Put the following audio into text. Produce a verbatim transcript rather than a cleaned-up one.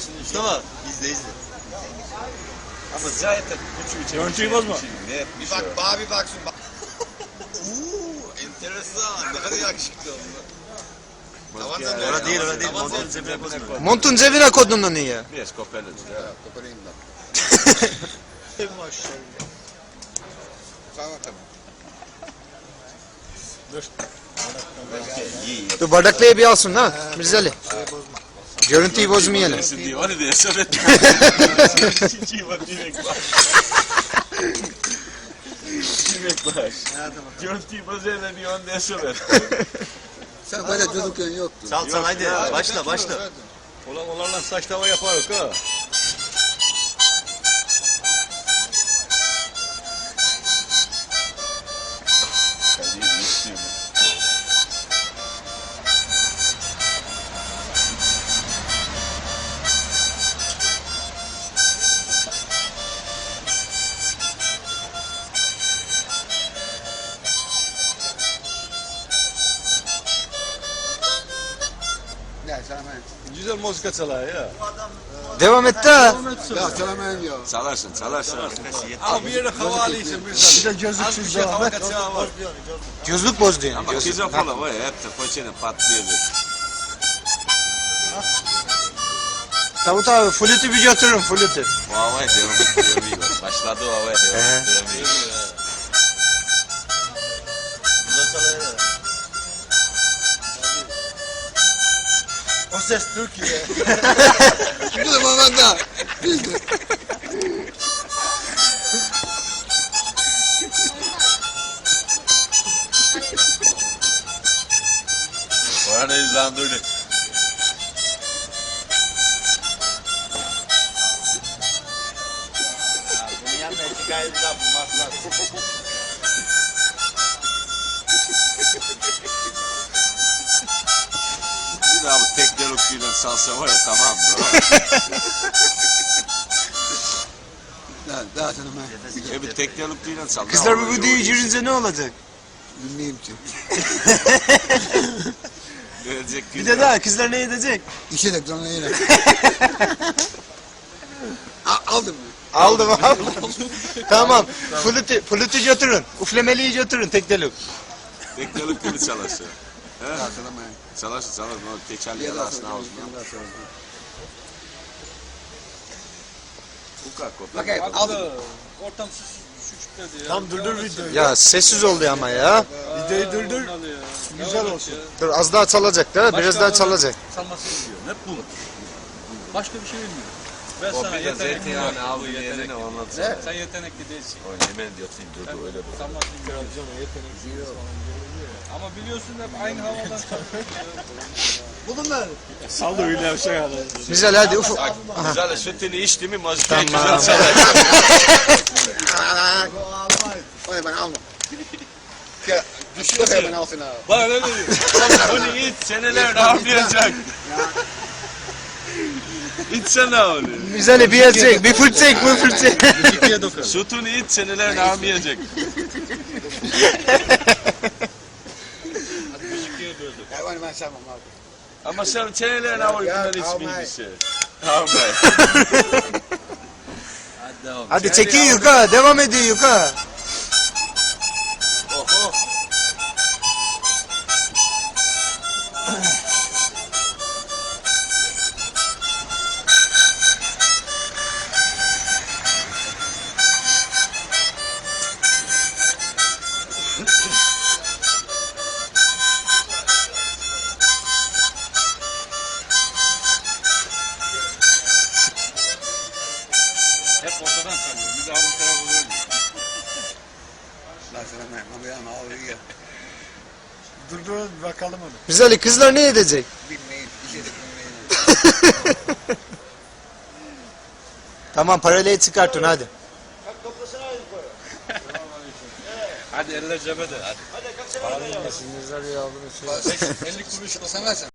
Mustafa izle izle. Ama zaten küçük Görüntüyü bozma. Ne Bir bak bana bir baksın. Bak. Uuu enteresan. Ne kadar yakışıklı oldu. Tavandan böyle. Orada değil, orada değil. Tavandan Montun cebine koyma. Montun cebine koydun onu ya. Biraz kopyalım. Koparayım da. Maşallah. Tamam tamam. Dur. İyi. Dur bardaklığı bir alsın ha Mirzali. Görüntüyü bozmayalım. Diye var diye söyledim. Çiçeği var direkt bak. Direkt bak. Görüntüyü bozayla diye onu diye söyledim. Sen böyle çocukken yoktun. Sal sal haydi başla başla. Ulan onlarla saç tava yaparız ha. Ne salamen. Güzel müzik çalar ya. Devam et de. Ya salamen ya. Salarsın salarsın. Ama bir yere hava alıyorsun bir Bir de gözlüksüz devam et. var. Gözlük boz diyorsun. Ama Gözlük. kızı falan var ya hep de poçene patlayacak. Davut abi flütü bir götürün flütü. O havaya devam ettiriyor. Başladı o havaya devam He. ettiriyor. O ses Türkiye. Bu da bana da. Orada izlandırdı. Bunun yanına iki gayet daha bulmazlar. Bir daha bu tek delokuyla salsa var ya tamam mı? Daha, daha salamen. E bir tek delokuyla salsa. Kızlar bu videoyu girince ne olacak? Bilmeyeyim ki. Gelecek Bir de daha kızlar ne edecek? İşe de sonra yine. Aldım mı? Aldım aldım. Tamam. Flütü, flütü götürün. Uflemeliyi götürün tek delik. Tek delokuyla çalışıyor. He? Daha salamen. Çalışır çalışır. O tekerleği Bir daha arasına sonra. ağzına. Bir daha sonra. Bu kadar kopya. Bakayım aldım. Ortam şükürledi ya. Tam durdur videoyu. Ya sessiz oldu ama ya. Videoyu durdur. Güzel olsun. Dur az daha çalacak da biraz daha çalacak. Salmasını biliyor. Hep bunu. Başka bir şey bilmiyor. Ben O sana bir de yetenekli zeytinyağını var. aldı Bu yerine yetenekli. ondan Sen yetenekli değilsin. O hemen diyorsun durdu öyle bu. Salmasını biliyor. Ama biliyorsun hep aynı havadan çalıyor. Bunlar. Sal da öyle bir şey alır. Güzel hadi ufuk. Güzel sütünü içti mi mazikayı Tamam. güzel çalar. Oy ben almam. Ya düşüyor ya ben alsın abi. Bak öyle diyor. Bunu iç seneler ağırlayacak. İçsene onu. Güzel bir yer çek, bir fırt çek, bir fırt çek. İkiye dokun. Sütünü iç seneler ağırlayacak. Ya onu ben sevmem abi. Ama sen seneler ağırlayacak Ya, hiç almay. bilgisi. Ağırlay. Hadi devam. Hadi çekin yuka, devam ediyor yuka. Oho. Hep ortadan çalıyor. Biz de bu tarafa doğru. La salamen. Ama ya ağrıyor ya. Durdur bakalım onu. Güzel kızlar ne edecek? Bilmeyin. İşe de bilmeyin. Tamam parayı çıkartın hadi. Hadi eller cebede. Hadi. elli kuruş da sen versen.